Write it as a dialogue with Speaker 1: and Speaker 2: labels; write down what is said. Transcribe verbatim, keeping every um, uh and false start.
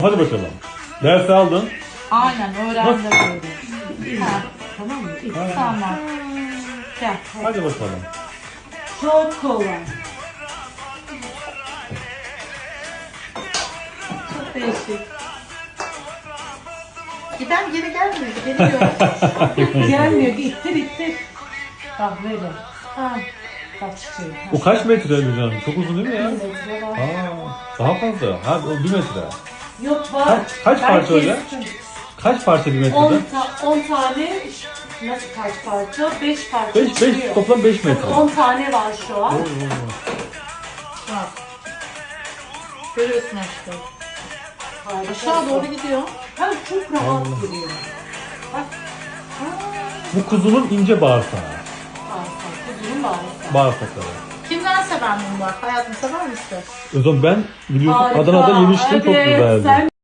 Speaker 1: Hadi bakalım. Ders aldın.
Speaker 2: Aynen öğrendim böyle. Ha,
Speaker 3: Tamam mı? İyi.
Speaker 2: tamam. Gel.
Speaker 1: Hadi bakalım.
Speaker 3: Çok kolay.
Speaker 2: Çok değişik. Giden geri gelmiyor. Geliyor.
Speaker 3: Gelmiyor. İttir ittir. Bak böyle.
Speaker 2: Ha.
Speaker 3: Bak çiçeği.
Speaker 1: O kaç metre Gülcan? Çok uzun değil mi ya?
Speaker 3: Metre var.
Speaker 1: Aa, daha fazla. Ha, o bir metre.
Speaker 3: Yok var.
Speaker 1: Kaç, kaç parça öyle?
Speaker 3: kestim.
Speaker 1: Kaç parça bir
Speaker 3: on,
Speaker 1: metrede?
Speaker 3: ta on tane. Nasıl kaç parça? beş parça.
Speaker 1: beş, beş,
Speaker 3: çıkıyor.
Speaker 1: toplam beş metre.
Speaker 3: on tane var şu an.
Speaker 1: Oo, oo.
Speaker 2: Bak. Görüyorsun işte.
Speaker 3: Harika.
Speaker 2: Aşağı doğru gidiyor.
Speaker 3: Ha, çok rahat
Speaker 1: Allah.
Speaker 3: duruyor. Bak.
Speaker 1: Bu kuzunun ince bağırsağı.
Speaker 3: Harika. Kuzunun bağlısı.
Speaker 1: Bağırsakları.
Speaker 2: Kimden sever bunu bak? Hayatım sever misin?
Speaker 1: O zaman ben biliyorsun
Speaker 3: Harika.
Speaker 1: Adana'da yemiştim, çok
Speaker 3: Evet,
Speaker 1: güzeldi.
Speaker 3: sen